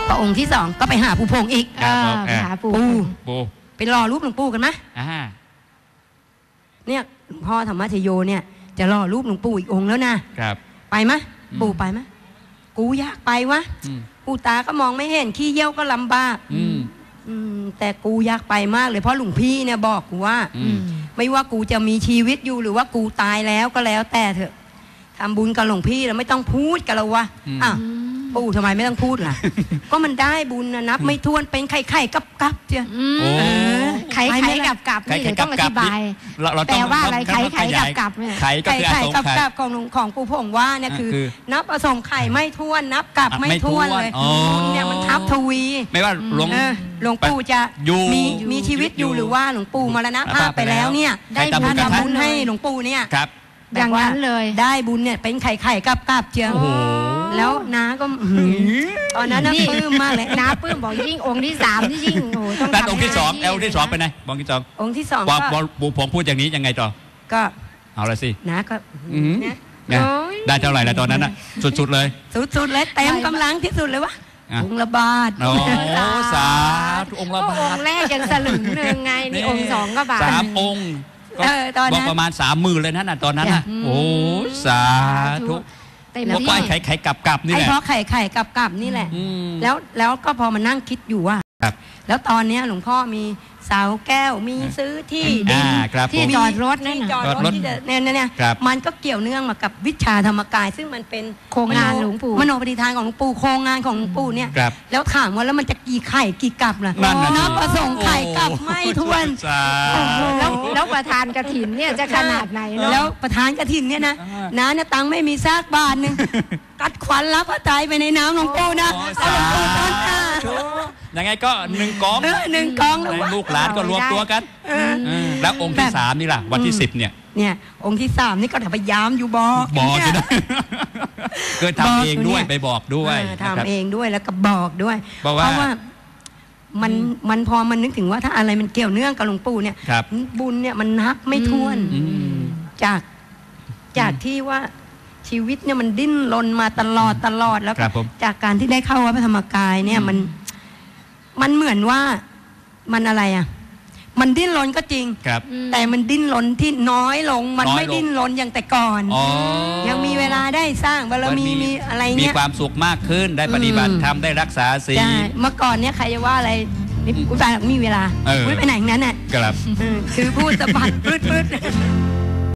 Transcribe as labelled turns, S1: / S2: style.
S1: ก็องค์ที่สองก็ไปหาปู่พงอีก
S2: ไปหาปู่
S1: ไปรอรูปหลวงปู่กันไหมเนี่ยหลวงพ่อธรรมชโยเนี่ยจะรอรูปหลวงปู่อีกองค์แล้วนะครับไปไหมปู่ไปไหมกูอยากไปวะกูตาก็มองไม่เห็นขี้เยี่ยวก็ลำบากแต่กูอยากไปมากเลยเพราะหลวงพี่เนี่ยบอกกูว่าไม่ว่ากูจะมีชีวิตอยู่หรือว่ากูตายแล้วก็แล้วแต่เถอะทำบุญกับหลวงพี่แล้วไม่ต้องพูดกันแล้ววะปู่ทำไมไม่ต้องพูดล่ะก็มันได้บุญนะนับไม่ถ้วนเป็นไข่กับเจ้า
S2: ไข่กับนี่เดี๋ยวต้องอธิบายแปลว่าอะไรไข่กับเนี่ย
S1: ไข่กับของปู่พงว่าเนี่ยคือนับผสมไข่ไม่ถ้วนนับกับไม่ถ้วนเลยบุญเนี่ยมันทับทวี
S3: ไม่ว่าห
S1: ลวงปู่จะมีชีวิตอยู่หรือว่าหลวงปู่มรณภาพไปแล้วเนี่ยได้บุญให้หลวงปู่เนี่ย
S2: อย่างนั้นเลย
S1: ได้บุญเนี่ยเป็นไข่กับเจียวแล้วน้าก็ตอนนั้นน่าปลื้มมากเลย
S2: น้าปลื้มบอกยิ่งองค์ที่สามที่ยิ่งโอ้
S3: ต้องทำองค์ที่สององค์ที่สองไปไหนองค์ที่สองก็ปู่ผมพูดอย่างนี้ยังไงต่อ
S1: ก็
S3: เอาละสิ
S1: น้าก็
S3: ได้เท่าไหร่แล้วตอนนั้นน่ะสุดเลย
S1: สุดเลยเต็มกำลังที่สุดเลยวะองค์ละบาท
S3: โอ้สาธุองค์ละบาท
S2: องค์แรกยังสลึงนึงไงนี่องค์สองก็บาท
S3: 3 องค์บอกประมาณ30,000เลยนะตอนนั้นน่ะโอ้สาธุเพราะไข่กับนี่แหละ
S1: เพราะไข่กับนี่แหละแล้วก็พอมานั่งคิดอยู่ว่าแล้วตอนนี้หลวงพ่อมีเสาแก้วมีซื้อที่ดิน
S2: ที่จอดรถนั่น
S1: จอดรถที่เนี่ยมันก็เกี่ยวเนื่องมากับวิชาธรรมกายซึ่งมันเป็น
S2: โครงงานหลวงปู่
S1: มโนปฏิทานของหลวงปู่โครงงานของหลวงปู่เนี่ยแล้วถามว่าแล้วมันจะกี่ไข่กี่กับล่ะนับประสงค์ไข่กับไม่ท้วน
S2: แล้วประธานกฐินเนี่ยจะขนาดไหนเนาะ
S1: แล้วประธานกฐินเนี่ยนะเนี่ยตังไม่มีซากบาทนึงกัดขวัญรับพระไตรไปในน้ำหลวงปู่นะ
S3: ยังไงก็1 กองลูกหลานก็รวมตัวกันแล้วองค์ที่3นี่ล่ะวันที่10เนี่ย
S1: องค์ที่3นี่ก็พยายามอยู่บอก
S3: อยู่นะเกิดทำเองด้วยไปบอกด้วย
S1: ทำเองด้วยแล้วก็บอกด้วยเพราะว่ามันพอมันนึกถึงว่าถ้าอะไรมันเกี่ยวเนื่องกับหลวงปู่เนี่ยบุญเนี่ยมันนับไม่ถ้วนจากที่ว่าชีวิตเนี่ยมันดิ้นรนมาตลอดแล้วจากการที่ได้เข้าวัดพระธรรมกายเนี่ยมันเหมือนว่ามันอะไรอ่ะมันดิ้นรนก็จริงแต่มันดิ้นรนที่น้อยลงมันไม่ดิ้นรนอย่างแต่ก่อนยังมีเวลาได้สร้างบารมีมีอะไรเงี้
S3: ยมีความสุขมากขึ้นได้ปฏิบัติธรรมได้รักษาศีล
S1: เมื่อก่อนเนี่ยใครจะว่าอะไรนี่กูตายมีเวลาไม่ไปไหนนั้นน่ะคือพูดสะบัดพืด